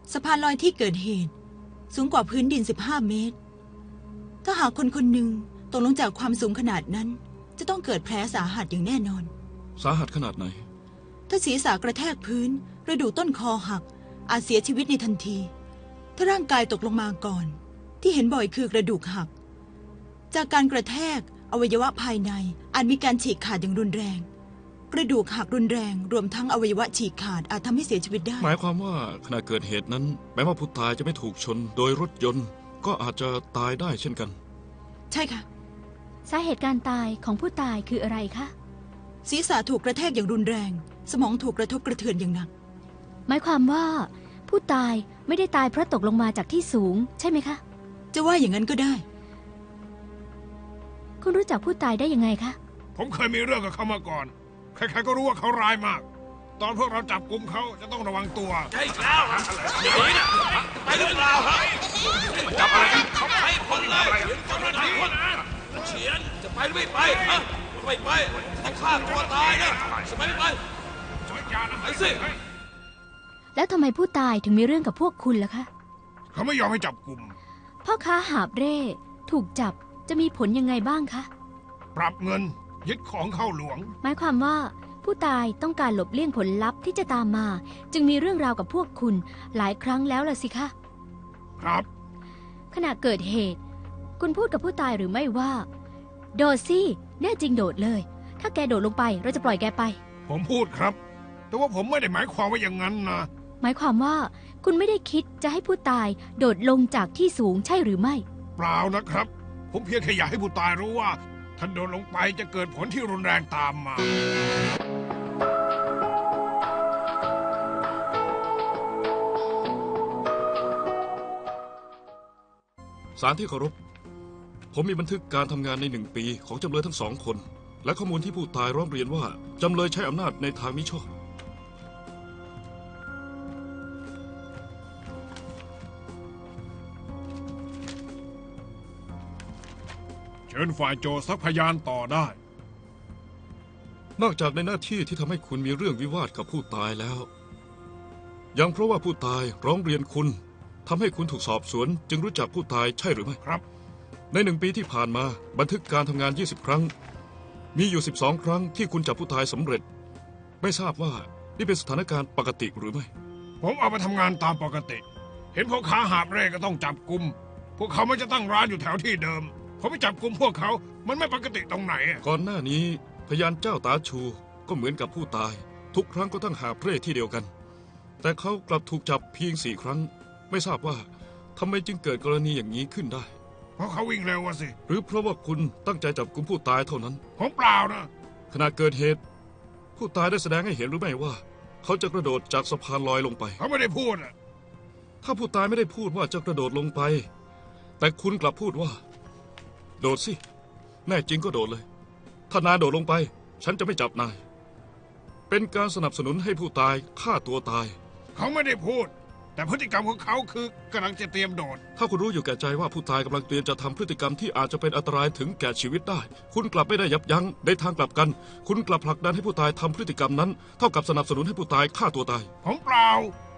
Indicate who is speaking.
Speaker 1: สะพานลอยที่เกิดเหตุสูงกว่าพื้นดิน15 เมตรถ้าหากคนคนหนึ่งตกลงจากความสูงขนาดนั้นจะต้องเกิดแผลสาหัสอย่างแน่นอน
Speaker 2: สาหัสขนาดไหน
Speaker 1: ถ้าศีรษะกระแทกพื้นกระดูกต้นคอหักอาจเสียชีวิตในทันทีถ้าร่างกายตกลงมาก่อนที่เห็นบ่อยคือกระดูกหักจากการกระแทกอวัยวะภายในอาจมีการฉีกขาดอย่างรุนแรงกระดูกหักรุนแรงรวมทั้งอวัยวะฉีกขาดอาจทำให้เสียชีวิตได้
Speaker 2: หมายความว่าขณะเกิดเหตุนั้นแม้ว่าผู้ตายจะไม่ถูกชนโดยรถยนต์ก็อาจจะตายได้เช่นกัน
Speaker 1: ใช่ค่ะ
Speaker 3: สาเหตุการตายของผู้ตายคืออะไรคะ
Speaker 1: ศีรษะถูกกระแทกอย่างรุนแรงสมองถูกกระทบกระเทือนอย่างหนัก
Speaker 3: หมายความว่าผู้ตายไม่ได้ตายเพราะตกลงมาจากที่สูงใช่ไหมคะ
Speaker 1: จะว่าอย่างนั้นก็ได้
Speaker 3: คุณรู้จักผู้ตายได้ยังไงคะ
Speaker 4: ผมเคยมีเรื่องกับเขามาก่อนใครๆก็รู้ว่าเขาร้ายมากตอนพวกเราจับกุมเขาจะต้องระวังตัว
Speaker 5: ใช่แล้วอย่างนี้นะไปหรือเปล่าครับจับอะไรกันเขาไปคนเลยคนละคนเฉียนจะไปหรือไม่ไปฮะไม่ไปต้องฆ่าตัวตายนะจะไปไม่ไปไปสิ
Speaker 3: แล้วทำไมผู้ตายถึงมีเรื่องกับพวกคุณล่ะคะ
Speaker 4: เขาไม่ยอมให้จับกุม
Speaker 3: พ่อค้าหาบเร่ถูกจับจะมีผลยังไงบ้างคะ
Speaker 4: ปรับเงินยึดของเข้าหลวง
Speaker 3: หมายความว่าผู้ตายต้องการหลบเลี่ยงผลลัพธ์ที่จะตามมาจึงมีเรื่องราวกับพวกคุณหลายครั้งแล้วล่ะสิคะ
Speaker 4: ครับ
Speaker 3: ขณะเกิดเหตุคุณพูดกับผู้ตายหรือไม่ว่าโดดสิแน่จริงโดดเลยถ้าแกโดดลงไปเราจะปล่อยแกไป
Speaker 4: ผมพูดครับแต่ว่าผมไม่ได้หมายความว่าอย่างนั้นนะ
Speaker 3: หมายความว่าคุณไม่ได้คิดจะให้ผู้ตายโดดลงจากที่สูงใช่หรือไม่
Speaker 4: เปล่านะครับผมเพียงแค่อยากให้ผู้ตายรู้ว่าถ้าโดดลงไปจะเกิดผลที่รุนแรงตามมา
Speaker 2: ศาลที่เคารพผมมีบันทึกการทำงานใน1 ปีของจำเลยทั้ง2 คนและข้อมูลที่ผู้ตายร้องเรียนว่าจำเลยใช้อำนาจในทางมิชอบ
Speaker 4: เชิญฝ่ายโจทก์ซักพยานต่อได้
Speaker 2: นอกจากในหน้าที่ที่ทำให้คุณมีเรื่องวิวาทกับผู้ตายแล้วยังเพราะว่าผู้ตายร้องเรียนคุณทำให้คุณถูกสอบสวนจึงรู้จักผู้ตายใช่หรือไม่
Speaker 4: ครับ
Speaker 2: ใน1 ปีที่ผ่านมาบันทึกการทำงาน20 ครั้งมีอยู่12 ครั้งที่คุณจับผู้ตายสำเร็จไม่ทราบว่านี่เป็นสถานการณ์ปกติหรือไม่
Speaker 4: ผมเอาไปทำงานตามปกติเห็นพ่อค้าหาบเร่ก็ต้องจับกุมพวกเขาไม่จะตั้งร้านอยู่แถวที่เดิมผมไปจับกุมพวกเขามันไม่ปกติตรงไหน
Speaker 2: ก่อนหน้านี้พยานเจ้าตาชูก็เหมือนกับผู้ตายทุกครั้งก็ตั้งหาบเร่ที่เดียวกันแต่เขากลับถูกจับเพียง4 ครั้งไม่ทราบว่าทำไมจึงเกิดกรณีอย่างนี้ขึ้นได้
Speaker 4: เพราะเขาวิ่งเร็วสิ
Speaker 2: หรือเพราะว่าคุณตั้งใจจับกุมผู้ตายเท่านั้น
Speaker 4: ผมเปล่านะ
Speaker 2: ขณะเกิดเหตุผู้ตายได้แสดงให้เห็นหรือไม่ว่าเขาจะกระโดดจากสะพานลอยลงไป
Speaker 4: เขาไม่ได้พูดนะ
Speaker 2: ถ้าผู้ตายไม่ได้พูดว่าจะกระโดดลงไปแต่คุณกลับพูดว่าโดดสิแน่จริงก็โดดเลยถ้านายโดดลงไปฉันจะไม่จับนายเป็นการสนับสนุนให้ผู้ตายฆ่าตัวตาย
Speaker 4: เขาไม่ได้พูดแต่พฤติกรรมของเขาคือกำลังจะเตรียมโดด
Speaker 2: ถ้าคุณรู้อยู่แก่ใจว่าผู้ตายกำลังเตรียมจะทำพฤติกรรมที่อาจจะเป็นอันตรายถึงแก่ชีวิตได้คุณกลับไม่ได้ยับยั้งในทางกลับกันคุณกลับผลักดันให้ผู้ตายทำพฤติกรรมนั้นเท่ากับสนับสนุนให้ผู้ตายฆ่าตัวตาย
Speaker 4: ผมเปล่า